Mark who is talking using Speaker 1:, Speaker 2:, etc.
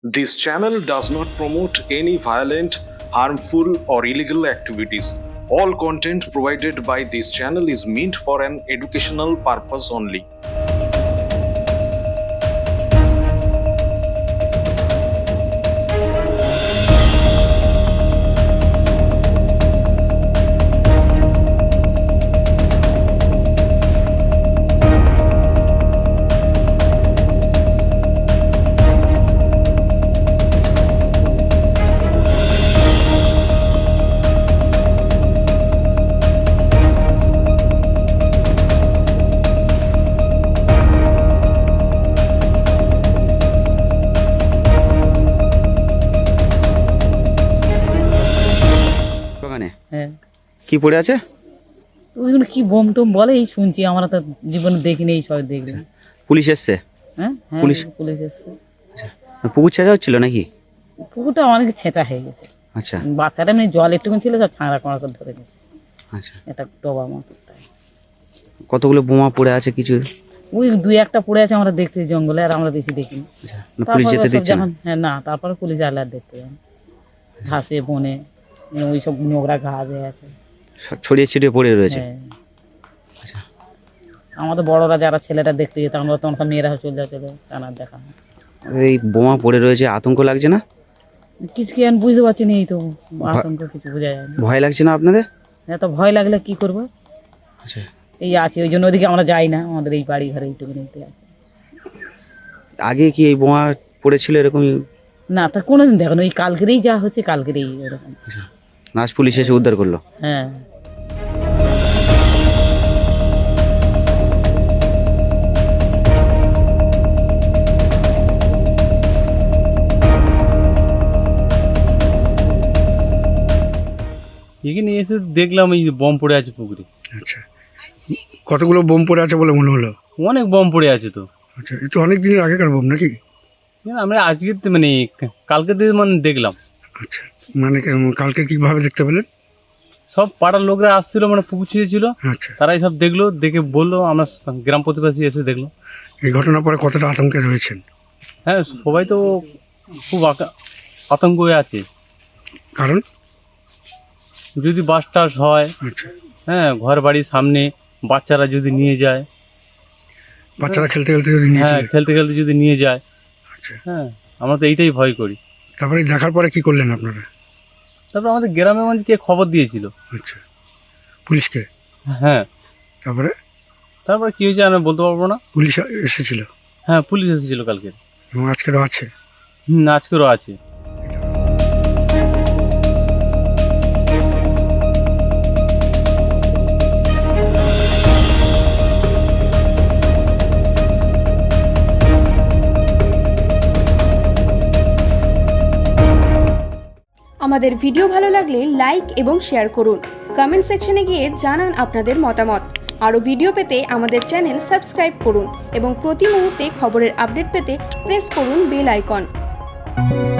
Speaker 1: This channel does not promote any violent, harmful, or illegal activities. All content provided by this channel is meant for an educational purpose only.
Speaker 2: বাগানে
Speaker 3: হ্যাঁ
Speaker 2: কি পড়ে আছে?
Speaker 3: ওইগুলো কি bomb Tomé বলে এই শুনছি, আমরা তো জীবনে দেখিনি, এই সব দেখলাম।
Speaker 2: পুলিশ এসছে?
Speaker 3: হ্যাঁ হ্যাঁ
Speaker 2: পুলিশ
Speaker 3: এসছে।
Speaker 2: পুকুর ছেঁচা হচ্ছিল নাকি?
Speaker 3: পুকুরটা অনেক ছেঁচা হয়ে গেছে।
Speaker 2: আচ্ছা
Speaker 3: বাচ্চাটা এমনি জল একটুকুন ছিল, সব ছাঁড়া কড়া করে ধরে গেছে।
Speaker 2: আচ্ছা,
Speaker 3: এটা ডোবা মতো তাই।
Speaker 2: কতগুলো বোমা পড়ে আছে কিছু?
Speaker 3: ওই দুই একটা পড়ে আছে, আমরা দেখছি জঙ্গলে, আর আমরা বেশি দেখিনি।
Speaker 2: পুলিশ যেতে
Speaker 3: সব
Speaker 2: দিচ্ছে না?
Speaker 3: হ্যাঁ না, তারপরে পুলিশ আলে আর দেখতে যান ঘাসে বনে, ওই সব নোংরা ঘাস হয়ে আছে,
Speaker 2: সব ছড়িয়ে ছিটিয়ে পড়ে রয়েছে।
Speaker 3: হ্যাঁ।
Speaker 2: আচ্ছা,
Speaker 3: আমাদের বড়রা যারা ছেলেটা দেখতে যেত, আমরা তখন সব মেয়েরা চলে যাচ্ছে, টানা দেখা
Speaker 2: এই বোমা পড়ে রয়েছে, আতঙ্ক লাগছে না?
Speaker 3: কিছু কি আমি বুঝতে পারছি না, এই তো আতঙ্ক কিছু বোঝা যায় না।
Speaker 2: ভয় লাগছে না আপনাদের?
Speaker 3: এত ভয় লাগলে কি করবো,
Speaker 2: আচ্ছা,
Speaker 3: এই আছে ওই জন্য ওদিকে আমরা যাই না, আমাদের এই বাড়ি ঘরে এইটুকু নিতে আছে।
Speaker 2: আগে কি এই বোমা পড়েছিল এরকম?
Speaker 3: না তা কোনোদিন দেখো না, ওই কালকেরেই যা হচ্ছে, কালকেরেই এরকম।
Speaker 2: নাচ পুলিশ এসে উদ্ধার করলো?
Speaker 3: হ্যাঁ
Speaker 4: এখানে এসে দেখলাম এই যে বম পড়ে আছে পুকুরে।
Speaker 5: আচ্ছা, কতগুলো বোম পড়ে আছে বলে মনে হলো?
Speaker 4: অনেক বম পড়ে আছে তো।
Speaker 5: আচ্ছা, এ তো অনেক দিনের আগেকার বোম নাকি?
Speaker 4: আমরা আজকে মানে কালকে থেকে মানে দেখলাম।
Speaker 5: আচ্ছা, মানে কালকে কিভাবে দেখতে পেলেন?
Speaker 4: সব পাড়ার লোকরা আসছিল, মানে পুকুর ছিল,
Speaker 5: আচ্ছা,
Speaker 4: তারাই সব দেখলো, দেখে বললো, আমরা গ্রাম প্রতিবেশী এসে দেখলো।
Speaker 5: এই ঘটনার পরে কতটা আতঙ্কে রয়েছেন?
Speaker 4: হ্যাঁ, সবাই তো খুব আতঙ্ক হয়ে আছে।
Speaker 5: কারণ?
Speaker 4: যদি বাস টাস হয়,
Speaker 5: আচ্ছা,
Speaker 4: হ্যাঁ, ঘর বাড়ির সামনে বাচ্চারা যদি নিয়ে যায়,
Speaker 5: বাচ্চারা খেলতে খেলতে যদি নিয়ে
Speaker 4: হ্যাঁ,
Speaker 5: চলে।
Speaker 4: খেলতে খেলতে যদি নিয়ে যায়,
Speaker 5: আচ্ছা,
Speaker 4: হ্যাঁ, আমরা তো এইটাই ভয় করি।
Speaker 5: তারপরে দেখার পরে কি করলেন আপনারা?
Speaker 4: তারপর আমাদের গ্রামের মানুষকে খবর দিয়েছিল।
Speaker 5: আচ্ছা, পুলিশকে?
Speaker 4: হ্যাঁ,
Speaker 5: তারপরে
Speaker 4: কি হয়েছে আমি বলতে পারবো না।
Speaker 5: পুলিশ এসেছিল
Speaker 4: হ্যাঁ, পুলিশ এসেছিল কালকে।
Speaker 5: এবং আজকেরও আছে?
Speaker 4: আজকেরও আছে।
Speaker 6: আমাদের ভিডিও ভালো লাগলে লাইক এবং শেয়ার করুন। কমেন্ট সেকশনে গিয়ে জানান আপনাদের মতামত। আরও ভিডিও পেতে আমাদের চ্যানেল সাবস্ক্রাইব করুন এবং প্রতি মুহূর্তে খবরের আপডেট পেতে প্রেস করুন বেল আইকন।